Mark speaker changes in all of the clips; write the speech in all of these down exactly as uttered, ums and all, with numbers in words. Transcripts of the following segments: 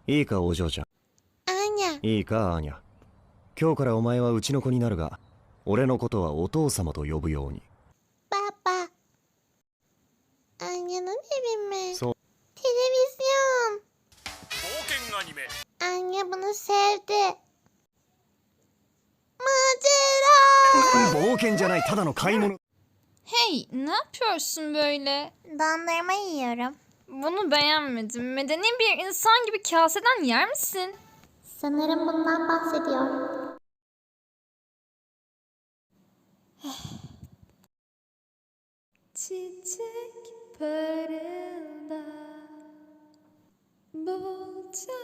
Speaker 1: いいかお嬢ちゃん。
Speaker 2: アーニャ。
Speaker 1: いいかアーニャ。今日からお前はうちの子になるが、俺のことはお父様と呼ぶように。
Speaker 2: パパ。アーニャのベビメ。
Speaker 1: そう。
Speaker 2: Televizyon.
Speaker 3: 冒険アニメ
Speaker 2: Anne bunu sevdi. Macera.
Speaker 1: 冒険じゃない、ただの買い物。
Speaker 4: Hey, ne yapıyorsun böyle?
Speaker 2: Dondurma yiyorum.
Speaker 4: Bunu beğenmedim. Medeni bir insan gibi kaseden yer misin?
Speaker 2: Sanırım bundan bahsediyor.
Speaker 4: Çiçek parılda, bolca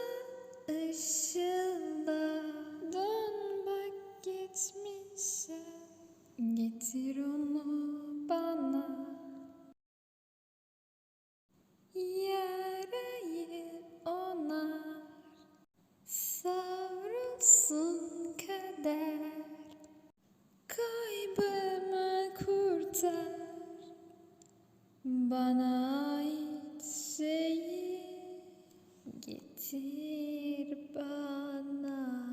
Speaker 4: ışılda. Dön bak geçmişe, getir onu bana. Yarayı onar, savrulsun kader. Kaybımı kurtar, bana ait şeyi getir bana.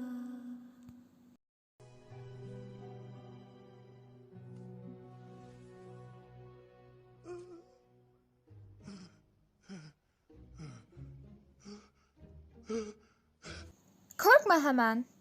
Speaker 4: Korkma hemen.